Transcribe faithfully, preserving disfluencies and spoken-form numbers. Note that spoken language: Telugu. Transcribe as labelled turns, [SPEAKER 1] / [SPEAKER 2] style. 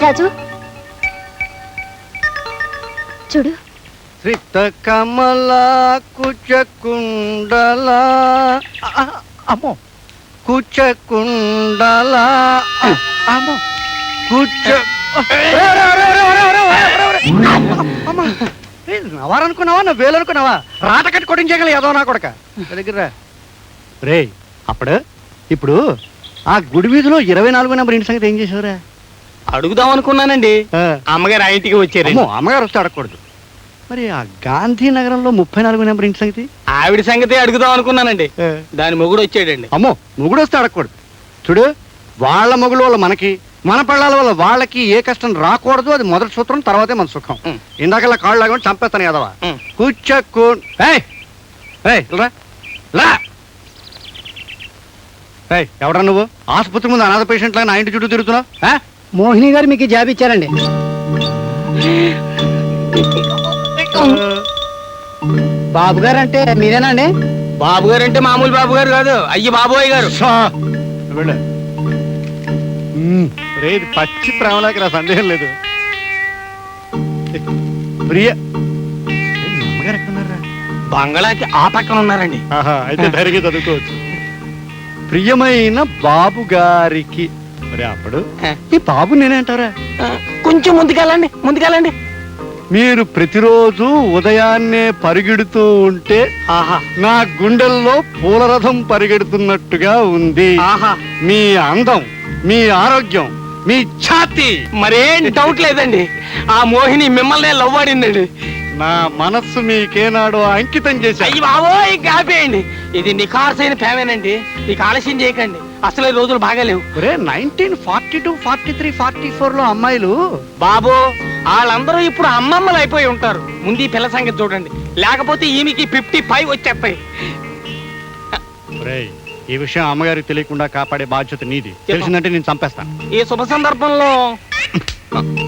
[SPEAKER 1] రాజు చూడు.
[SPEAKER 2] శ్రీత కమల కుచకుండల అమ్మో కుచకుండల అమ్మో కుచ నవారనుకున్నావా నా వేలు అనుకున్నావా? రాట కట్టి కొట్టించగల ఏదో నా కొడక దగ్గర రే. అప్పుడు ఇప్పుడు ఆ గుడి వీధిలో ఇరవై నాలుగు నెంబర్ ఇంటి సంగతి ఏం చేసావురా?
[SPEAKER 3] అడుగుదాం అనుకున్నానండి. అమ్మగారు ఆ ఇంటికి వచ్చారు.
[SPEAKER 2] అమ్మగారు వస్తే అడగకూడదు. మరి ఆ గాంధీనగరంలో ముప్పై నాలుగు నెంబర్ ఇంటి సంగతి?
[SPEAKER 3] ఆవిడ సంగతి అడుగుదాం అనుకున్నానండి. దాని మొగుడు వచ్చాడండి.
[SPEAKER 2] అమ్మో మొగుడు వస్తే అడగకూడదు. చూడు, వాళ్ళ మొగుడు వల్ల మనకి, మన పిల్లల వల్ల వాళ్ళకి ఏ కష్టం రాకూడదు. అది మొదటి సూత్రం, తర్వాతే మన సుఖం. ఇందాకల్లా కాళ్ళు లాగా చంపేస్తాను కదవా. కూర్చోకు ఎవడా నువ్వు? ఆసుపత్రి ముందు అనాథ పేషెంట్ లాగా నా ఇంటి చుట్టూ తిరుగుతున్నావు.
[SPEAKER 4] మోహిని గారు మీకు జాబ్ ఇచ్చారండి. బాబు గారు అంటే మీరేనండి?
[SPEAKER 3] బాబు గారు అంటే మామూలు బాబు గారు కాదు, అయ్యి బాబోయ్ గారు.
[SPEAKER 2] రేది పచ్చి ప్రేమలోకి నా సందేహం లేదు. ప్రియ అమ్మగారు ఎక్కడున్నారా?
[SPEAKER 3] బంగళాకి ఆ పక్కన ఉన్నారండి.
[SPEAKER 2] అయితే ధైర్యంగా చదువుకోవచ్చు. ప్రియమైన బాబు గారికి. మరి అప్పుడు ఈ బాబు నేనేంటారా?
[SPEAKER 3] కొంచెం ముందుకెళ్ళండి, ముందుకెళ్ళండి.
[SPEAKER 2] మీరు ప్రతిరోజు ఉదయాన్నే పరిగెడుతూ ఉంటే
[SPEAKER 3] ఆహా
[SPEAKER 2] నా గుండెల్లో పూలరథం పరిగెడుతున్నట్టుగా ఉంది.
[SPEAKER 3] ఆహా
[SPEAKER 2] మీ అందం, మీ ఆరోగ్యం, మీ ఛాతి.
[SPEAKER 3] మరేం డౌట్ లేదండి, ఆ మోహిని మిమ్మల్ని లవ్ ఆడిందండి.
[SPEAKER 2] నా మనస్సు మీకేనాడో అంకితం చేశాను.
[SPEAKER 3] అయ్యి బాబోయ్ కాపేయండి. ఇది నిఖార్సైన ప్రేమేనండి. నీకు ఆలస్యం చేయకండి, అసలే రోజులు బాగాలేవు.
[SPEAKER 2] Nineteen forty two forty three forty four లో అమ్మాయిలు
[SPEAKER 3] బాబు వాళ్ళందరూ ఇప్పుడు అమ్మమ్మలు అయిపోయి ఉంటారు. ముందు ఈ పిల్ల సంగతి చూడండి, లేకపోతే ఈమెకి ఫిఫ్టీ ఫైవ్ వచ్చేస్తాయి.
[SPEAKER 2] ఈ విషయం అమ్మగారికి తెలియకుండా కాపాడే బాధ్యత నీది. తెలిసిందంటే నేను చంపేస్తాను.
[SPEAKER 3] ఈ శుభ సందర్భంలో